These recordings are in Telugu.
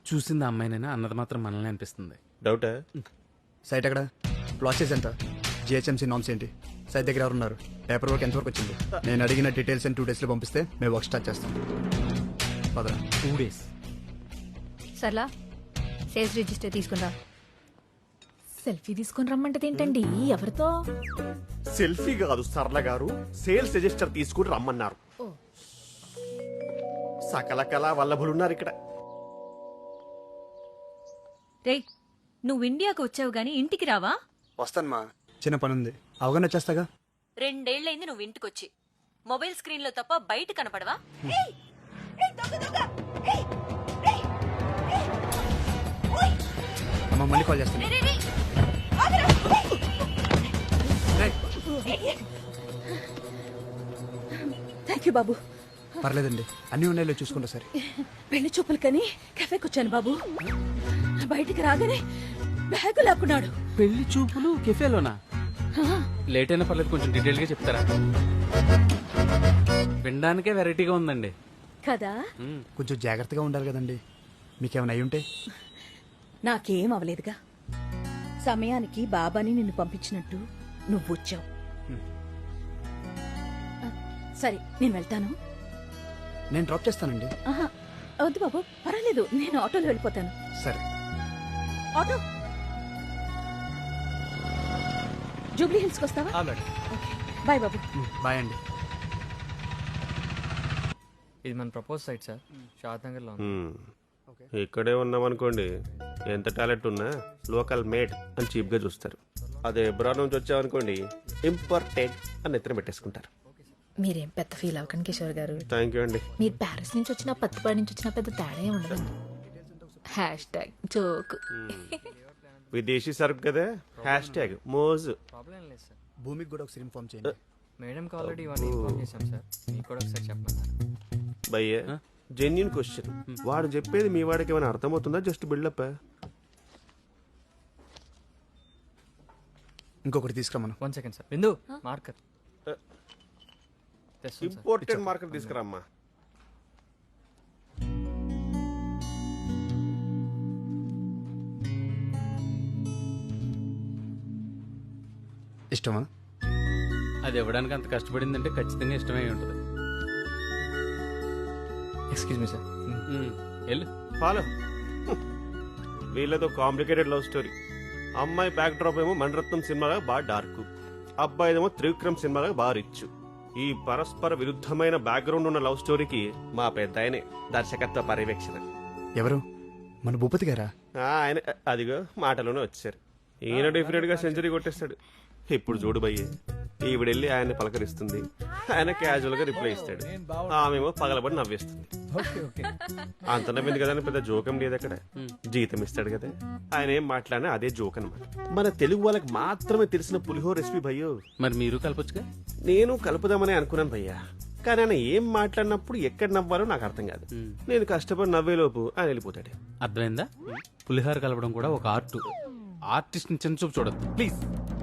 చూసింది ఆ అమ్మాయినైనా అన్నది మాత్రం మనల్ని అనిపిస్తుంది. డౌటా? సైట్ ఎక్కడ? ప్రాసెస్ ఎంత? జిహెచ్ఎంసీ నామ్స్ ఏంటి? సైట్ దగ్గర ఎవరు ఉన్నారు? పేపర్ వర్క్ ఎంతవరకు వచ్చింది? నేను అడిగిన డీటెయిల్స్ 2 daysలో పంపిస్తే మేము వర్క్ స్టార్ట్ చేస్తాం. పదరా. 2 days. సర్లా సేల్స్ రిజిస్టర్ తీసుకుందా. సెల్ఫీ తీసుకుని రమ్మంటది ఏంటండి? ఎవరితో? సెల్ఫీ కాదు సరళ గారు, సేల్స్ రిజిస్టర్ తీసుకుని రమ్మన్నారు. సకల కళా వల్లభులున్నారు ఇక్కడ. రేయ్, నువ్వు ఇండియాకు వచ్చావు గాని ఇంటికి రావా? వస్తాను మా, చిన్న పని ఉంది, అవగాహన వచ్చేస్తాగా. 2 ఏళ్లైంది నువ్వు ఇంటికొచ్చి. మొబైల్ స్క్రీన్ లో తప్ప బయట కనపడవా? అమ్మ మళ్ళీ కాల్ చేస్తాను. థ్యాంక్ యూ బాబు. పర్లేదండి, అన్ని ఉన్నాయో చూసుకుంటా సరే. పెళ్లి చూపులు కని కెఫేకి వచ్చాను బాబు. బయటికి రాగానే బ్యాగు లాక్కున్నాడు. పెళ్లి చూపులు కెఫేలోనా? లేట్ అయినా పర్లేదు, కొంచెం డీటెయిల్ గా చెప్తారా? వినడానికే వెరైటీగా ఉందండి కదా. కొంచెం జాగ్రత్తగా ఉండాలి కదండి, మీకేమైనా అయి ఉంటే. నాకేం అవలేదుగా. సమయానికి బాబాని నిన్ను పంపించినట్టు నువ్వు వచ్చావు. సరే నేను వెళ్తాను. నేను డ్రాప్ చేస్తానండి. ఆహా, వద్దు బాబు, పర్వాలేదు, నేను ఆటోలో వెళ్ళిపోతాను. సరే. ఆటో జూబ్లీ హిల్స్కి వస్తావా? ఓకే, బాయ్ బాబు. బాయ్ అండి. ఇది మన propose site sir, Shadnagar లో ఉంది. ఇక్కడే ఉన్నామనుకోండి, ఎంత టాలెంట్ ఉన్నా లోకల్ మేడ్ అని చీప్ గా చూస్తారు. అదే ఎబ్రాడ్ నుంచి వచ్చామనుకోండి, ఇంపార్టెంట్ అని ఎత్తున పెట్టేసుకుంటారు. మీరేం పెద్ద ఫీల్ అవ్వకండి కిషోర్ గారు. థ్యాంక్ యూ అండి. మీరు ప్యారిస్ నుంచి వచ్చినా పత్తిపాడి నుంచి వచ్చినా పెద్ద తేడా ఉండదు. #జోక్. విదేశీ సరుకు కదా, #మోజు. ప్రాబ్లం లేదు సార్. భూమికి కూడా ఒకసారి ఇన్ఫార్మ్ చేయండి. మేడంకి ఆల్రెడీ ఇవన్నీ ఇన్ఫార్మ్ చేశాం సార్, మీకు కూడా ఒకసారి చెప్పమన్నారు. భయ్య జెన్యున్ క్వశ్చన్, వాడు చెప్పేది మీ వాడికి ఏమైనా అర్థమవుతుందా? Just buildup. ఇంకొకటి తీసుకురమ్మను. 1 second సార్. బిందు మార్కర్ తెస్తాను సార్. ఇంపార్టెంట్ మార్కెట్ తీసుకురామ్మా. ఇష్టమా? అది ఇవ్వడానికి అంత కష్టపడిందంటే ఖచ్చితంగా ఇష్టమై ఉంటుంది. Excuse me sir. వెళ్ళు. ఫాలో. వీళ్ళతో కాంప్లికేటెడ్ లవ్ స్టోరీ. అమ్మాయి బ్యాక్ డ్రాప్ ఏమో మణరత్నం సినిమాగా బాగా డార్క్, అబ్బాయిదేమో త్రివిక్రమ్ సినిమాగా బాగా రిచ్. ఈ పరస్పర విరుద్ధమైన బ్యాక్గ్రౌండ్ ఉన్న లవ్ స్టోరీకి మా పెద్ద ఆయనే దర్శకత్వ పర్యవేక్షణ. ఎవరు? మన భూపతి గారా? ఆయన అదిగో మాటలోనే వచ్చారు. ఈయన డెఫినెట్ గా సెంచరీ కొట్టేస్తాడు. ఇప్పుడు చూడు భయ్య, ఈవిడెళ్ళి ఆయన్ని పలకరిస్తుంది, ఆయన క్యాజువల్ గా రిప్లై ఇస్తాడు, ఆమెమో పగలబడి నవ్వేస్తుంది. అంత నవ్వింది కదా అని పెద్ద జోకం లేదు అక్కడ. జీతం ఇస్తాడు కదా, ఆయన ఏం మాట్లాడినా అదే జోక్ అనమాట. మన తెలుగు వాళ్ళకి మాత్రమే తెలిసిన పులిహోర రెసిపీ భయ్యో. మరి మీరు కలపొచ్చుగా. నేను కలుపుదామని అనుకున్నాను భయ్యా, కానీ ఆయన ఏం మాట్లాడినప్పుడు ఎక్కడ నవ్వాలో నాకు అర్థం కాదు. నేను కష్టపడి నవ్వేలోపు ఆయన వెళ్ళిపోతాడు. అర్థమైందా? పులిహార కలపడం కూడా ఒక ఆర్ట్. ఆర్టిస్ట్ ని చిన్న చూపు చూడద్దు ప్లీజ్.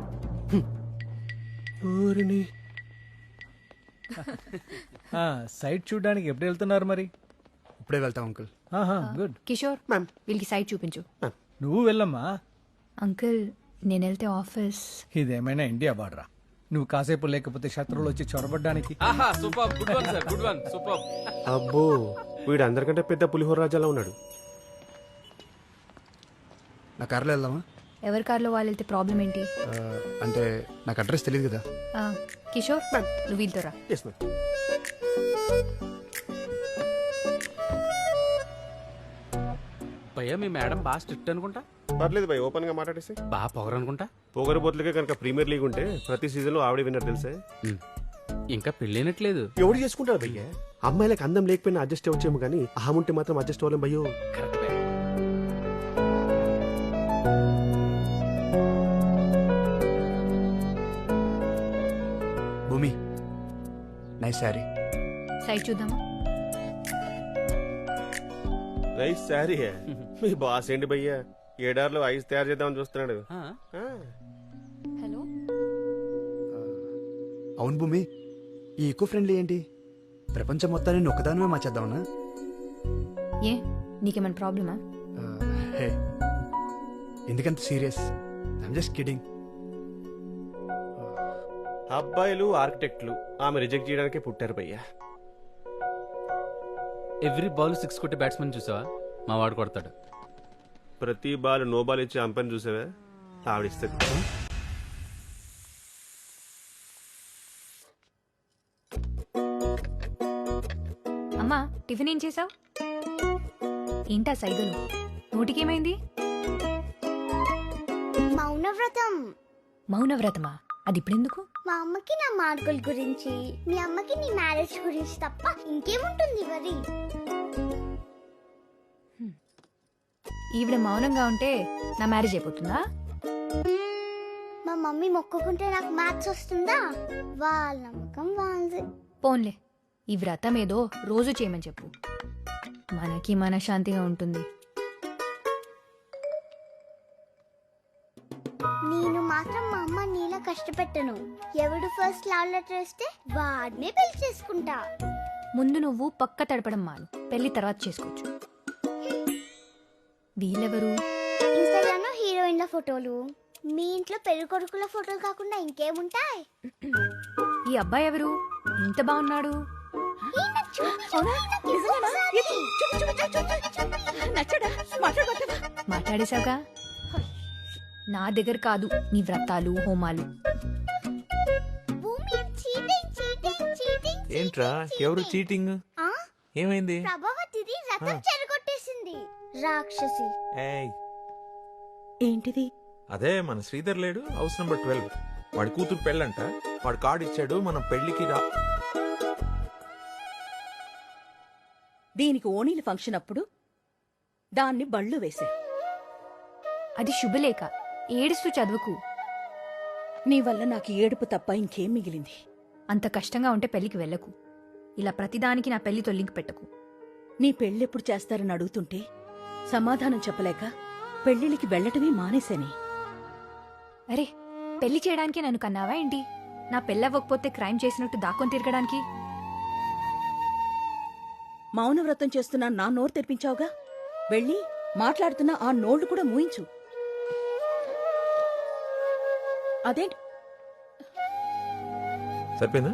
సైట్ చూడడానికి ఎప్పుడు వెళ్తున్నారు మరి? ఇప్పుడే వెళ్తాం అంకుల్. గుడ్. కిషోర్ వీళ్ళకి సైట్ చూపించు. నువ్వు వెళ్ళమ్మా. అంకుల్ నేను వెళ్తే ఆఫీస్. ఇదేమైనా ఇండియా బార్డరా? నువ్వు కాసేపు లేకపోతే శత్రువులు వచ్చి చొరబడ్డానికి. Super, good one sir, good one, super. అబ్బో, వీడు అందరికంటే పెద్ద పులిహోర రాజాలా ఉన్నాడు. నా కార్లో వెళ్దామా? ఎవరి కార్లో వాళ్ళు వెళ్తే ప్రాబ్లం ఏంటి? అంటే నాకు అడ్రస్ తెలియదు కదా. కిషోర్ నువ్వు వీళ్ళతో రా. Yes, ma'am. భయ్యా మీ మేడం బాగా స్ట్రిక్ట్ అనుకుంటా. పర్లేదు భయ్, ఓపెన్ గా మాట్లాడేసి. బాగా పొగరు అనుకుంటా. పొగరబోతులకే కనుక ప్రీమియర్ లీగ్ ఉంటే ప్రతి సీజన్ లో ఆవిడ విన్నర్ తెలుసే. ఇంకా పెళ్ళైనట్లేదు. ఎవడు చేసుకుంటారు భయ్య? అమ్మాయిలకు అందం లేకపోయినా అడ్జస్ట్ అవ్వచ్చేమో కానీ అహం ఉంటే మాత్రం అడ్జస్ట్ అవ్వలేం భయ్యో. Correct. Bhumi, nice saree. Site చూద్దామా? Nice saree. మీ బాస్ ఏంటి భయ్య, ఏడార్లో ఐస్ తయారు చేద్దామని చూస్తున్నాడు. హలో. అవును భూమి, ఈ ఈకో ఫ్రెండ్లీ ఏంటి? ప్రపంచం మొత్తాన్ని ఒక్కదానమే మార్చేద్దామన్నా? ఏ నీకేమైనా ప్రాబ్లమా? హే ఎందుకంత సీరియస్? I'm just kidding. అబ్బాయిలు ఆర్కిటెక్ట్లు ఆమె రిజెక్ట్ చేయడానికే పుట్టారు భయ్యా. ఎవ్రీ బాల్ 6 కొట్టే బ్యాట్స్మెన్ చూసావా? మా వాడు కొడతాడు. ప్రతి బాల్ నో బాల్ ఇచ్చే అంపని చూసావా? ఆవిడిస్తుంది. అమ్మా టిఫిన్ ఏం చేసావు? ఏంటా సైగలు? నోటికేమైంది? మౌనవ్రతం. మౌనవ్రతమా? అది ఇప్పుడెందుకు? మా అమ్మకి నా మార్కుల గురించి, మీ అమ్మకి నీ మ్యారేజ్ గురించి తప్ప ఇంకేముంటుంది వరి. ఈవిడ మౌనంగా ఉంటే నా మ్యారేజ్ అయిపోతుందా? మా మమ్మీ మొక్కుకుంటే నాకు మ్యాథ్స్ వస్తుందా? వాళ్ళ నమ్మకం వాళ్ళది. పోన్లే, ఈ వ్రతం ఏదో రోజు చేయమని చెప్పు, మనకి మనశ్శాంతిగా ఉంటుంది. నేను మాత్రం మా అమ్మ నీలా కష్టపెట్టను. ఎవడు ఫస్ట్ లవ్ లెటర్ వస్తే వాడినే పెళ్లి చేసుకుంటా. ముందు నువ్వు పక్క తడపడం మాను, పెళ్లి తర్వాత చేసుకోవచ్చు. వీళ్ళెవరు? ఇన్స్టాగ్రామ్ లో హీరోయిన్ల ఫోటోలు, మీ ఇంట్లో పెళ్లి కొడుకుల ఫోటోలు కాకుండా ఇంకేముంటాయి? ఈ అబ్బాయి ఎవరు? ఇంత బాగున్నాడు. నచ్చడా? మాట్లాడబోతావా? మాట్లాడేశావుగా. నా దగ్గర కాదు నీ వ్రతాలు హోమాలు. భూమి చీటింగ్ చీటింగ్ చీటింగ్. ఏంట్రా ఎవరు చీటింగ్? ఆ? ఏమైంది? ప్రభావతిది రథం చెరగొట్టేసింది రాక్షసి. ఏయ్ ఏంటిది? అదే మన శ్రీధర్ లేడు, హౌస్ నెంబర్ 12. వాడి కూతురు పెళ్ళంట. వాడు కార్డు ఇచ్చాడు, మనం పెళ్లికి రా. దీనికి ఓణీల ఫంక్షన్ అప్పుడు దాన్ని బళ్ళు వేసా. అది శుభలేఖ, ఏడుస్తూ చదువుకు. నీ వల్ల నాకు ఏడుపు తప్ప ఇంకేం మిగిలింది? అంత కష్టంగా ఉంటే పెళ్లికి వెళ్ళకు. ఇలా ప్రతిదానికి నా పెళ్లితో లింక్ పెట్టకు. నీ పెళ్ళెప్పుడు చేస్తారని అడుగుతుంటే సమాధానం చెప్పలేక పెళ్లిళ్ళకి వెళ్లటమే మానేశాని. అరే, పెళ్లి చేయడానికి నన్ను కన్నావా ఏంటి? నా పెళ్ళవ్వకపోతే క్రైమ్ చేసినట్టు దాక్కొని తిరగడానికి? మౌనవ్రతం చేస్తున్నా నా నోరు తెరిపించావుగా. వెళ్ళి మాట్లాడుతున్న ఆ నోళ్లు కూడా మూయించు. అదేంటి? సరిపోయిందా?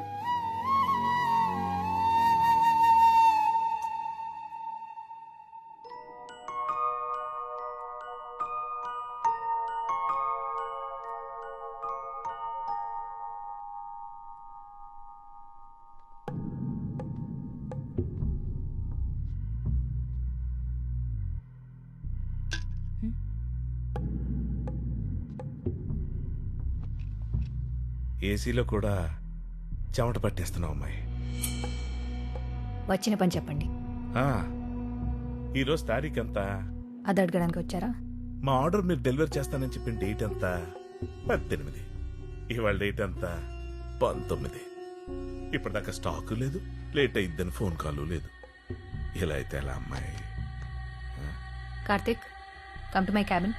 ఏసీలో కూడా చెమట పట్టేస్తున్నావు అమ్మాయి. వచ్చిన పని చెప్పండి. ఈరోజు తారీఖు ఎంత? అది అడగడానికి వచ్చారా? మా ఆర్డర్ మీరు డెలివరీ చేస్తానని చెప్పిన డేట్ ఎంత? 18. ఇవాళ డేట్ ఎంత? 19. ఇప్పటిదాకా స్టాక్ లేదు, లేట్ అయిద్దని ఫోన్ కాల్ లేదు. ఇలా అయితే ఎలా అమ్మాయి? Karthik, come to my cabin.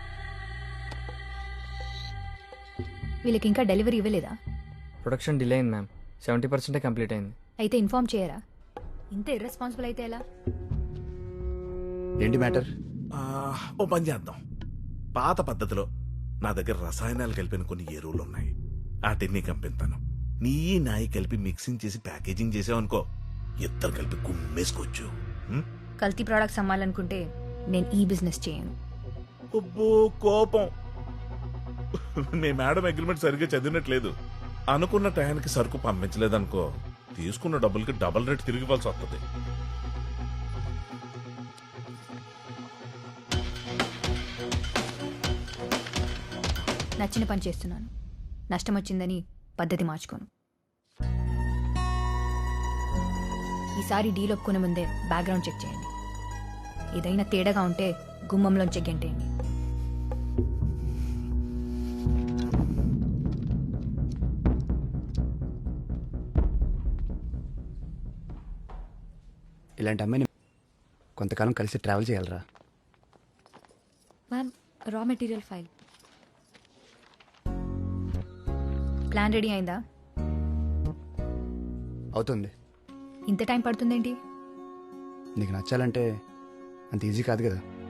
వీళ్ళకి ఇంకా డెలివరీ ఇవ్వలేదా? ప్రొడక్షన్ డిలే అయింది మ్యామ్. 70% కంప్లీట్ అయింది. అయితే ఇన్ఫార్మ్ చేయరా? ఇంత ఇర్రెస్పాన్సిబుల్ అయితే ఎలా? ఏంటి మ్యాటర్? ఓ పని చేద్దాం. పాత పద్ధతిలో నా దగ్గర రసాయనాలు కలిపిన కొన్ని ఎరువులు ఉన్నాయి. వాటిని కంపిస్తాను. నీ నాయి కలిపి మిక్సింగ్ చేసి ప్యాకేజింగ్ చేసావనుకో, ఇద్దరు కలిపి కుమ్మేసుకోవచ్చు. కల్తీ ప్రోడక్ట్స్ అమ్మాలనుకుంటే నేను ఈ బిజినెస్ చేయను. అబ్బో కోపం. మీ మేడం అగ్రిమెంట్ సరిగ్గా చదివినట్లేదు. అనుకున్న టయానికి సరుకు పంపించలేదనుకో, తీసుకున్న డబ్బులకి డబుల్ రేట్ తిరిగి ఇవ్వాల్సి వస్తుంది. నచ్చిన పని చేస్తున్నాను. నష్టం వచ్చిందని పద్ధతి మార్చుకోను. ఈసారి డీల్ ఒప్పుకునే ముందే బ్యాక్గ్రౌండ్ చెక్ చేయండి. ఏదైనా తేడాగా ఉంటే గుమ్మంలోంచి గెంటేయండి. ఇలాంటి అమ్మాయిని కొంతకాలం కలిసి ట్రావెల్ చేయాలరా. Ma'am, raw material file. Plan ready అయిందా? అవుతుంది. ఇంత టైం పడుతుందేంటి? నీకు నచ్చాలంటే అంత ఈజీ కాదు కదా.